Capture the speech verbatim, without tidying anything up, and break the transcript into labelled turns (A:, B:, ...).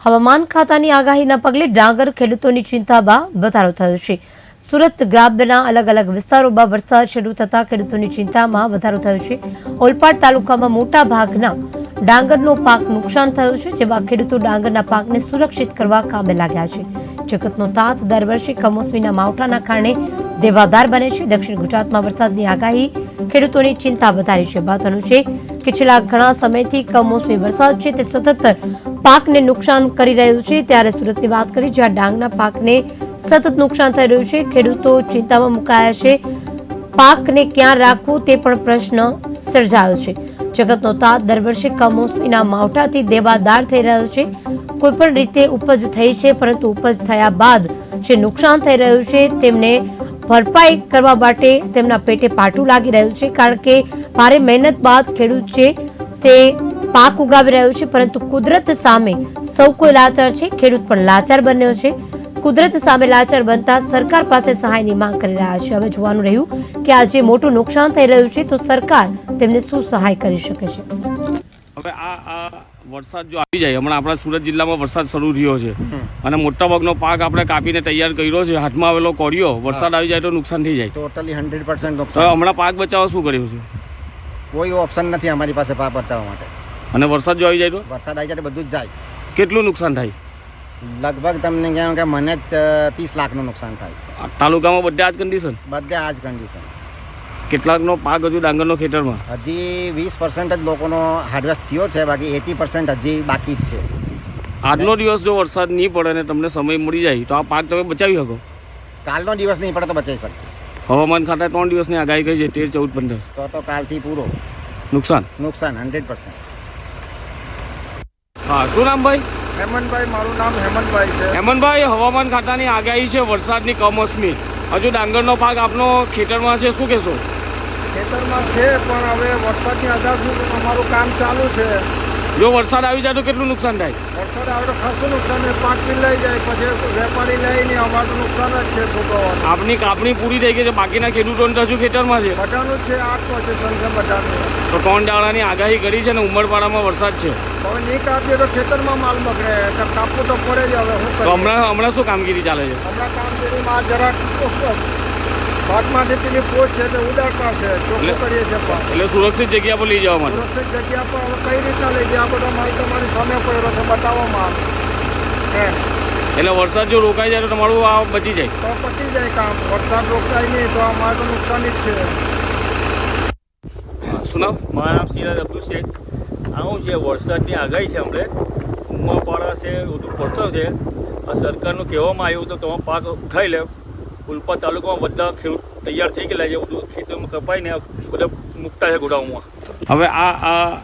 A: હવામાન ખાતાની આગાહીના પગલે ડાંગર ખેડૂતોની ચિંતામાં વધારો થયો છે। સુરત ગ્રામ્યના અલગ અલગ વિસ્તારોમાં વરસાદ શરૂ થતા ખેડૂતોની ચિંતામાં વધારો થયો છે। ઓલપાડ તાલુકામાં મોટા ભાગના ડાંગરનો પાક નુકસાન થયો છે, જેમાં ખેડૂતો ડાંગરના પાકને સુરક્ષિત કરવા કામે લાગ્યા છે। જગતનો તાત દર વર્ષે કમોસમીના માવઠાના કારણે દેવાદાર બને છે। દક્ષિણ ગુજરાતમાં વરસાદની આગાહી ખેડૂતોની ચિંતા વધારી છે। મહત્વનું છે કે છેલ્લા ઘણા સમયથી કમોસમી વરસાદ છે તે સતત પાકને નુકસાન કરી રહ્યું છે। ત્યારે સુરતની વાત કરી, જ્યાં ડાંગરના પાકને સતત નુકસાન થઈ રહ્યું છે, ખેડૂતો ચિંતામાં મુકાયા છે। પાકને ક્યાં રાખવું તે પણ પ્રશ્ન સર્જાયો છે। જગતનો તાત દર વર્ષે કમોસમીના માવઠાથી દેવાદાર થઈ રહ્યો છે। કોઈપણ રીતે ઉપજ થઈ છે, પરંતુ ઉપજ થયા બાદ જે નુકસાન થઈ રહ્યું છે તેમને ભરપાઈ કરવા માટે તેમના પેટે પાટું લાગી રહ્યું છે, કારણ કે ભારે મહેનત બાદ ખેડૂત છે તે પાક ઉગાવી રહ્યો છે, પરંતુ કુદરત સામે સૌ કોઈ લાચાર છે। ખેડૂત પણ લાચાર બન્યો છે। કુદરત સામે લાચાર બનતા સરકાર પાસે સહાયની માંગ કરી રહ્યા છે। હવે જોવાનું રહ્યું કે આજે મોટું નુકસાન થઈ રહ્યું છે તો સરકાર તેમને શું સહાય કરી શકે છે।
B: હવે આ આ વરસાદ જો આવી જાય, હમણાં આપણા સુરત જિલ્લામાં વરસાદ શરૂ થયો છે અને મોટાભાગનો પાક આપણે કાપીને તૈયાર કર્યો છે, હાથમાં આવેલો કોરિયો, વરસાદ આવી જાય તો નુકસાન થઈ જાય
C: ટોટલી હંડ્રેડ પર્સન્ટ
B: તો
C: નુકસાન।
B: હમણાં પાક બચાવવા શું કર્યું છે?
C: કોઈ ઓપ્શન નથી અમારી પાસે પાક બચાવવા માટે।
B: અને વરસાદ જો આવી જાય તો
C: વરસાદ આવી જાય તો બધું જ જાય।
B: કેટલું નુકસાન થાય?
C: લગભગ તમને કહેવાય કે મને જ ત્રીસ લાખનું નુકસાન થાય।
B: આ તાલુકામાં બધે આ જ કન્ડિશન?
C: બધે આ જ કન્ડિશન।
B: કેટલાકનો પાક હજુ ડાંગરનો ખેતરમાં?
C: હજી વીસ પર્સન્ટ જ લોકોનો હાર્વેસ્ટ થયો છે, બાકી એટી પર્સન્ટ હજી બાકી જ છે।
B: આજનો દિવસ જો વરસાદ નહીં પડે અને તમને સમય મળી જાય તો આ પાક તમે બચાવી શકો?
C: કાલનો દિવસ નહીં પડે તો બચાવી શકે।
B: હવામાન ખાતા ત્રણ દિવસની આગાહી કરી છે, તેર ચૌદ પંદર
C: તો તો કાલથી પૂરો
B: નુકસાન
C: નુકસાન હંડ્રેડ પર્સન્ટ।
B: હા, શું નામ ભાઈ?
D: હેમંતભાઈ, મારું નામ હેમંતભાઈ છે।
B: હેમંતભાઈ, હવામાન ખાતાની આગાહી છે વરસાદની કમોસમી, હજુ ડાંગરનો પાક આપનો ખેતરમાં છે, શું કહેશો?
D: ખેતરમાં છે, પણ હવે વરસાદની આધાર સુધી અમારું કામ ચાલુ છે।
B: જો વરસાદ આવી જાય તો કેટલું નુકસાન થાય?
D: વરસાદ આવે તો ખાસું નુકસાન છે, પાક બી લઈ જાય, પછી વેપારી લઈ નહીં, અમારું નુકસાન જ છે ભોગવવાનું।
B: આપની કાપણી પૂરી થઈ ગઈ છે, બાકીના ખેડૂતોને તો હજુ ખેતરમાં છે?
D: બધાનું જ છે, આ પોઝિશન છે બધાનું।
B: તો ત્રણ દાડાની આગાહી કરી છે ને ઉમરપાડામાં વરસાદ છે,
D: હવે નહીં કાપીએ તો ખેતરમાં માલ બગડે, તો કાપવું તો પડે જ। હવે શું
B: તો
D: કરીએ?
B: હમણાં હમણાં શું કામગીરી ચાલે છે?
D: હમણાં કામગીરીમાં જરાક ભાગમાંથી પેલી પોસ્ટ છે તે ઉડાડતા છે, ચોખ્ખું કરીએ છીએ પણ
B: એટલે સુરક્ષિત જગ્યા પર લઈ જવા માટે?
D: સુરક્ષિત જગ્યા પર હવે કઈ રીતના લઈ જાય, આ બધો માલ તમારી સામે પડ્યો છે, બતાવવામાં આવે એમ।
B: એટલે વરસાદ જો રોકાઈ જાય તો તમારું આ બચી જાય?
D: તો પતી જાય કામ। વરસાદ રોકાય નહીં તો અમારે તો નુકસાન જ છે।
B: શું નામ?
E: મારું નામ સિરાજ અબ્દુલ શેખ। આવું છે વરસાદની આગાહી છે, હમણે ઉમરપાડા છે, બધું પડતો છે। આ સરકારનું કહેવામાં આવ્યું તો તમે પાક ઉઠાવી લે। ઉલપા તાલુકામાં બધા ખેડૂત તૈયાર થઈ ગયેલા છે, બધું ખેતરમાં કપાઈને બધા મૂકતા છે ગોડાઉનમાં।
B: હવે આ આ